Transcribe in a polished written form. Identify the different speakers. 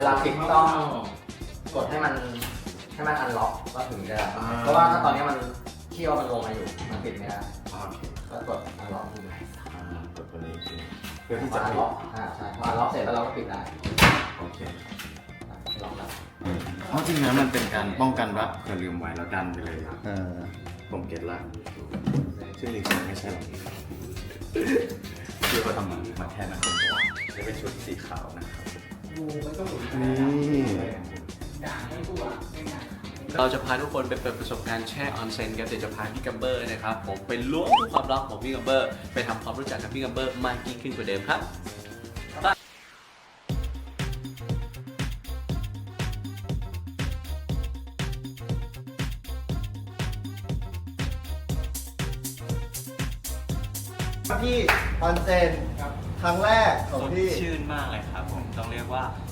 Speaker 1: เวลาปิดต้องกดให้มันอันล็อกก็ถึงจะเพราะว่าถ้าตอนนี้มันเที่ยวมันลงมาอยู่มันปิดไม่ได้ก็กดอันล็อกดู
Speaker 2: กดตัวนี้เพื่อที่จะ
Speaker 1: อันล็อกใช่พออันล็อกเสร็จแล้วเราก็ปิดได้
Speaker 2: โอเค
Speaker 1: ล็อกแล้ว
Speaker 2: เพราะจริงๆแล้วมันเป็นการป้องกันว่าเกิดลืมไว้แล้วดันไปเลยผมเก็ตละซึ่งจริงๆไม่ใช่หรอกที่เขาทำมาแค่นั้นจะเป็นชุดสีขาวนะครับนี่
Speaker 3: เราจะพาทุกคนไปเปิดประสบการณ์แช่ออนเซ็นกันเดี๋ยวจะพาพี่กัมเบอร์นะครับผมไปล้วงความลับของพี่กัมเบอร์ไปทำความรู้จักกับพี่กัมเบอร์มากยิ่งขึ้นกว่าเดิมครับ
Speaker 4: พี่ออนเซ็นครั้งแรกของพี่
Speaker 3: ชื่นมากเลยครับผมต้องเรียกว่า